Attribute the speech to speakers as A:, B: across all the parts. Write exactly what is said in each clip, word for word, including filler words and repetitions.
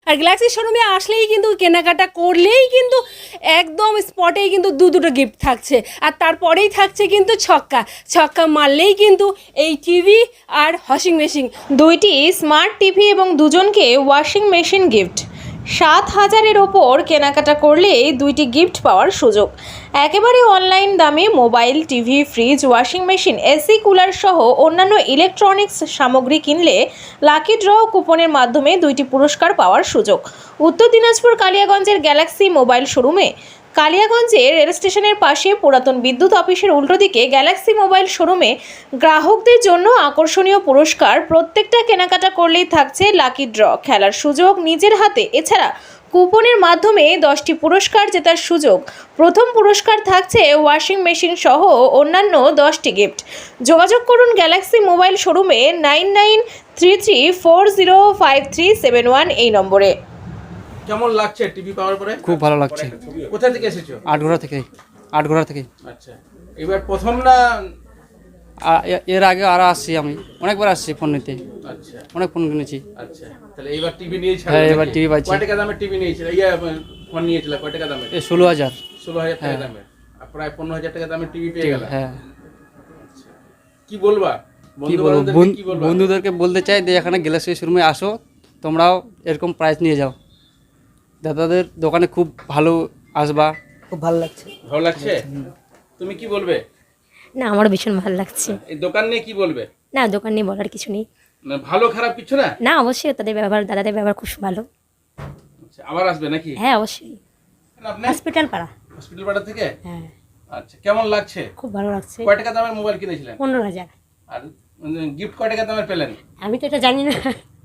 A: আর Galaxy শোরুমে আসলেই কিন্তু কেনাকাটা করলেই কিন্তু একদম স্পটেই কিন্তু দু দুটো গিফট থাকছে, আর তারপরেই থাকছে কিন্তু ছক্কা ছক্কা মারলেই কিন্তু এই টিভি আর ওয়াশিং মেশিন।
B: দুইটি স্মার্ট টিভি এবং দুজনকে ওয়াশিং মেশিন গিফট। সাত হাজারের ওপর কেনাকাটা করলে দুইটি গিফট পাওয়ার সুযোগ। একেবারে অনলাইন দামে mobile, TV, fridge, washing machine, AC, cooler সহ অন্যান্য ইলেকট্রনিক্স সামগ্রী কিনলে লাকি ড্র কুপনের মাধ্যমে দুইটি পুরস্কার পাওয়ার সুযোগ। উত্তর দিনাজপুর কালিয়াগঞ্জের গ্যালাক্সি মোবাইল শোরুমে। কালিয়াগঞ্জে রেল স্টেশনের পাশে পুরাতন বিদ্যুৎ অফিসের উল্টো দিকে গ্যালাক্সি মোবাইল শোরুমে গ্রাহকদের জন্য আকর্ষণীয় পুরস্কার। প্রত্যেকটা কেনাকাটা করলেই থাকছে লাকি ড্র খেলার সুযোগ নিজের হাতে। এছাড়া কুপনের মাধ্যমে দশটি পুরস্কার জেতার সুযোগ। প্রথম পুরস্কার থাকছে ওয়াশিং মেশিন সহ অন্যান্য দশটি গিফট। যোগাযোগ করুন গ্যালাক্সি মোবাইল শোরুমে nine nine three three four zero five three seven one এই নম্বরে।
C: কেমন লাগছে টিভি পাওয়ার পরে?
D: খুব ভালো লাগছে।
C: কোথা থেকে এসেছো?
D: আটঘোড়া থেকে। আটঘোড়া থেকে।
C: আচ্ছা, এবার প্রথম না
D: আ- এ- এর আগে আরো আসছি, আমি অনেকবার আসছি ফোন নিতে,
C: আচ্ছা
D: অনেক ফোন কিনেছি।
C: আচ্ছা, তাহলে এবার টিভি নিয়েছিল?
D: হ্যাঁ, এবার টিভি পাচ্ছি।
C: কয় টাকা দামের টিভি নিয়েছিল? ইয়া ফোন নিয়েছিল কয় টাকা দামের?
D: এই ষোলো হাজার।
C: ষোলো হাজার টাকা
D: হ্যাঁ।
C: দামের। আর প্রায় পনেরো হাজার টাকা দামের টিভি পেয়ে
D: ঠিক,
C: গেল।
D: হ্যাঁ।
C: কি বলবা
D: কি
C: বন্ধু
D: বলবো,
C: বান্ধবদেরকে
D: বন-
C: কি বলবা?
D: বন্ধুদেরকে বলতে চাই যে এখানে গ্যালাক্সি শোরুমে আসো, তোমরাও এরকম প্রাইস নিয়ে যাও। দাদাদের দোকানে খুব ভালো আসবা।
E: খুব ভালো লাগছে।
C: ভালো লাগছে? তুমি কি বলবে?
F: না, আমারও ভীষণ ভালো লাগছে।
C: এই দোকান নিয়ে কি বলবে?
F: না, দোকান নিয়ে বলার কিছু নেই।
C: না, ভালো খারাপ কিছু না?
F: না, অবশ্যই তাদের ব্যবহার, দাদাদের ব্যবহার খুব ভালো।
C: আচ্ছা, আবার আসবে নাকি?
F: হ্যাঁ, অবশ্যই।
C: আপনি
F: হসপিটাল পাড়া।
C: হসপিটাল পাড়া থেকে?
F: হ্যাঁ,
C: আচ্ছা, কেমন লাগছে?
F: খুব ভালো লাগছে।
C: কয় টাকা দামের মোবাইল কিনেছিলেন?
F: পনেরো হাজার।
C: আর গিফট কয় টাকা দামের পেলেন?
F: আমি তো এটা জানি না।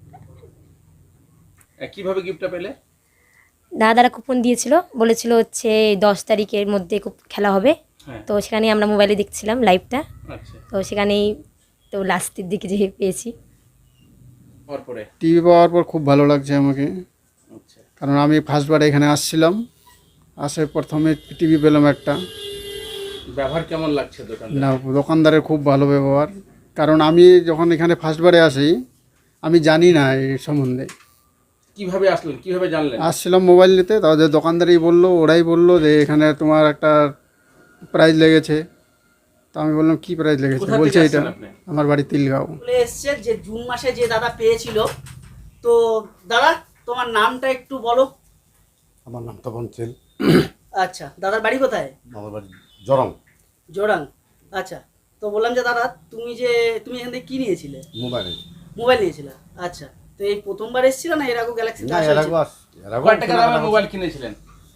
C: এ, কিভাবে গিফটটা পেলে?
F: দাদারা কুপন দিয়েছিল, বলেছিল হচ্ছে দশ তারিখের মধ্যে খুব খেলা হবে।
C: হ্যাঁ।
F: তো সেখানে আমরা মোবাইলে দেখছিলাম লাইভটা,
C: আচ্ছা,
F: তো সেখানেই তো লাস্টের দিকে যে পেয়েছি।
C: তারপরে
G: টিভি পাওয়ার পর খুব ভালো লাগছে আমাকে,
C: আচ্ছা,
G: কারণ আমি ফার্স্টবার এখানে আসছিলাম, আসে প্রথমে টিভি পেলাম একটা।
C: ব্যবহার কেমন লাগছে দোকানদার?
G: না, দোকানদারের খুব ভালো ব্যবহার, কারণ আমি যখন এখানে ফার্স্টবারে আসি আমি জানি না এই সম্বন্ধে।
C: কিভাবে আসলেন, কিভাবে জানলেন?
G: আসছিলাম মোবাইল নিতে, তাদের দোকানদারই বললো, ওরাই বললো যে এখানে তোমার একটা প্রাইজ লেগেছে। তো আমি বললাম কি প্রাইজ লেগেছে?
C: কোথা থেকে
G: বলছে এটা
C: আসছেন আপনি?
G: আমার বাড়ি তিলগাঁও।
E: বলে এসছে যে জুন মাসে যে দাদা পেয়েছিল। তো দাদা তোমার নামটা একটু বলো।
H: আমার নাম তপন চেল।
E: আচ্ছা, দাদার বাড়ি কোথায়?
H: আমার বাড়ি জরং।
E: জোরাং। আচ্ছা, তো বললাম যে দাদা তুমি যে তুমি এখান থেকে কি নিয়েছিলে?
H: মোবাইলে।
E: মোবাইল নিয়েছিলে। আচ্ছা, তো এই প্রথমবার এসেছিল না এর আগে গ্যালাক্সি?
H: না, এর আগে আস এর আগে
C: কয় টাকা দামের মোবাইল কিনেছিলেন?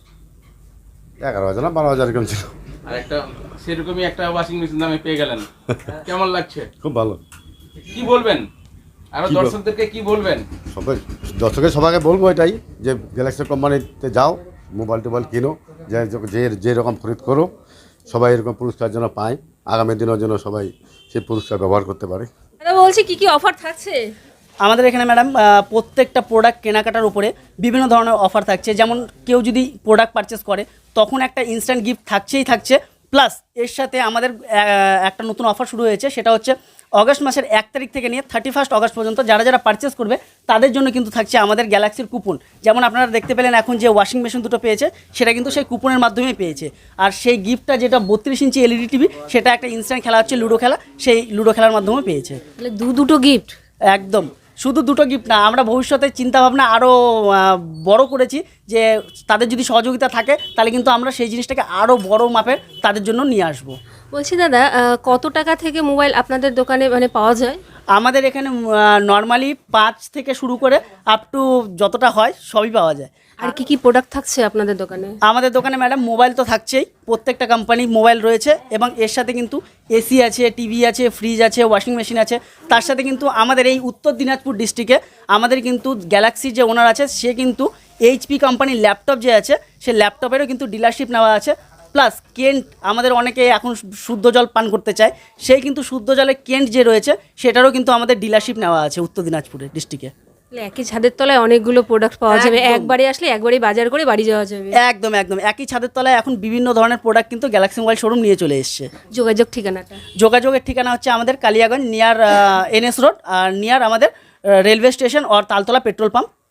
H: এগারো হাজার না বারো হাজার এরকম ছিল।
C: আর একটা সেরকমই একটা ওয়াশিং মেশিন দামে পেয়ে গেলেন। কেমন লাগছে?
H: খুব ভালো।
C: কি বলবেন আরো
H: কি বল-
C: দর্শকদেরকে কি বলবেন?
H: সবাই দর্শকের সবাইকে বলবো এটাই যে গ্যালাক্সি কোম্পানিতে যাও, মোবাইল টোবাইল কিনো, যে যে যে রকম খরিদ করো, সবাই এরকম পুরস্কার যেন পায়, আগামী দিনের জন্য সবাই সেই পুরস্কার ব্যবহার করতে পারে।
A: দাদা বলছি কি কি অফার থাকছে?
E: আমাদের এখানে ম্যাডাম প্রত্যেকটা প্রোডাক্ট কেনাকাটার উপরে বিভিন্ন ধরনের অফার থাকছে। যেমন কেউ যদি প্রোডাক্ট পারচেস করে তখন একটা ইনস্ট্যান্ট গিফট থাকছেই থাকছে। প্লাস এর সাথে আমাদের আহ, একটা নতুন অফার শুরু হয়েছে, সেটা হচ্ছে অগস্ট মাসের এক তারিখ থেকে নিয়ে থার্টি ফার্স্ট অগস্ট পর্যন্ত যারা যারা পারচেস করবে তাদের জন্য কিন্তু থাকছে আমাদের গ্যালাক্সির কুপন। যেমন আপনারা দেখতে পেলেন এখন যে ওয়াশিং মেশিন দুটো পেয়েছে সেটা কিন্তু সেই কুপনের মাধ্যমেই পেয়েছে। আর সেই গিফটটা যেটা বত্রিশ ইঞ্চি এলইডি টিভি, সেটা একটা ইনস্ট্যান্ট খেলা হচ্ছে লুডো খেলা, সেই লুডো খেলার মাধ্যমে পেয়েছে।
A: তাহলে দু দুটো গিফট।
E: একদম, শুধু দুটো গিফট না, আমরা ভবিষ্যতে চিন্তাভাবনা আরও বড় করেছি যে তাদের যদি সহযোগিতা থাকে তাহলে কিন্তু আমরা সেই জিনিসটাকে আরও বড় মাপের তাদের জন্য নিয়ে আসবো।
A: বলছি দাদা, আহ, কত টাকা থেকে মোবাইল আপনাদের দোকানে মানে পাওয়া যায়?
E: আমাদের এখানে নর্মালি পাঁচ থেকে শুরু করে আপ টু যতটা হয় সবই পাওয়া যায়।
A: আর কি কি প্রোডাক্ট থাকছে আপনাদের দোকানে?
E: আমাদের দোকানে ম্যাডাম মোবাইল তো থাকছেই, প্রত্যেকটা কোম্পানির মোবাইল রয়েছে এবং এর সাথে কিন্তু এসি আছে, টিভি আছে, ফ্রিজ আছে, ওয়াশিং মেশিন আছে। তার সাথে কিন্তু আমাদের এই উত্তর দিনাজপুর ডিস্ট্রিক্টে আমাদের কিন্তু গ্যালাক্সির যে ওনার আছে সে কিন্তু এইচপি কোম্পানির ল্যাপটপ যে আছে সে ল্যাপটপেরও কিন্তু ডিলারশিপ নেওয়া আছে। প্লাস কেন্ট, আমাদের অনেকে এখন শুদ্ধ জল পান করতে চায়, সেই কিন্তু শুদ্ধ জলে কেন্ট যে রয়েছে সেটারও কিন্তু আমাদের ডিলারশিপ নেওয়া আছে উত্তর দিনাজপুরের ডিস্ট্রিক্টে।
A: তাহলে একই ছাদের তলায় অনেকগুলো প্রোডাক্ট পাওয়া যাবে,
E: একদম।
A: একবারে আসলে একবারেই বাজার করে বাড়ি যাওয়া যাবে।
E: একদম একদম একই ছাদের তলায় এখন বিভিন্ন ধরনের প্রোডাক্ট কিন্তু গ্যালাক্সি মোবাইল শোরুম নিয়ে চলে এসছে।
A: যোগাযোগ ঠিকানাটা?
E: যোগাযোগের ঠিকানা হচ্ছে আমাদের কালিয়াগঞ্জ নিয়ার এনএস রোড আর নিয়ার আমাদের রেলওয়ে স্টেশন আর Taltala petrol pump.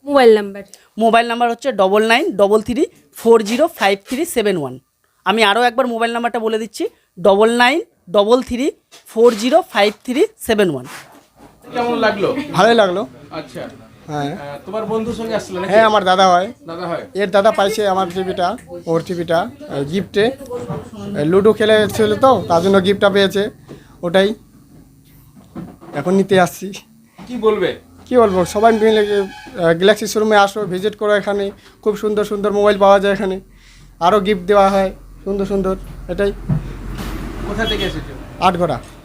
A: Mobile number
E: mobile number হচ্ছে double nine double three four zero five three seven one. আমি আরও একবার মোবাইল নাম্বারটা বলে দিচ্ছি, double nine double three four zero five three seven one.
C: কেমন লাগলো?
I: ভালোই লাগলো।
C: আচ্ছা,
I: হ্যাঁ
C: আহ, তোমার বন্ধুর সঙ্গে আসছিল নাকি?
I: হ্যাঁ আমার দাদা হয়,
C: দাদা হয়।
I: এর দাদা পাইছে আমার টিভিটা, ওর টিভিটা গিফটে লুডো খেলে ছিল তো তার জন্য গিফটটা পেয়েছে, ওটাই এখন নিতে আসছি।
C: কি বলবে?
I: কি বলবো, সবাই মিলে গ্যালাক্সি শোরুমে আসো, ভিজিট করো, এখানে খুব সুন্দর সুন্দর মোবাইল পাওয়া যায়, এখানে আরও গিফট দেওয়া হয় সুন্দর সুন্দর। এটাই
C: কোথা থেকে এসেছো?
I: আটঘরা।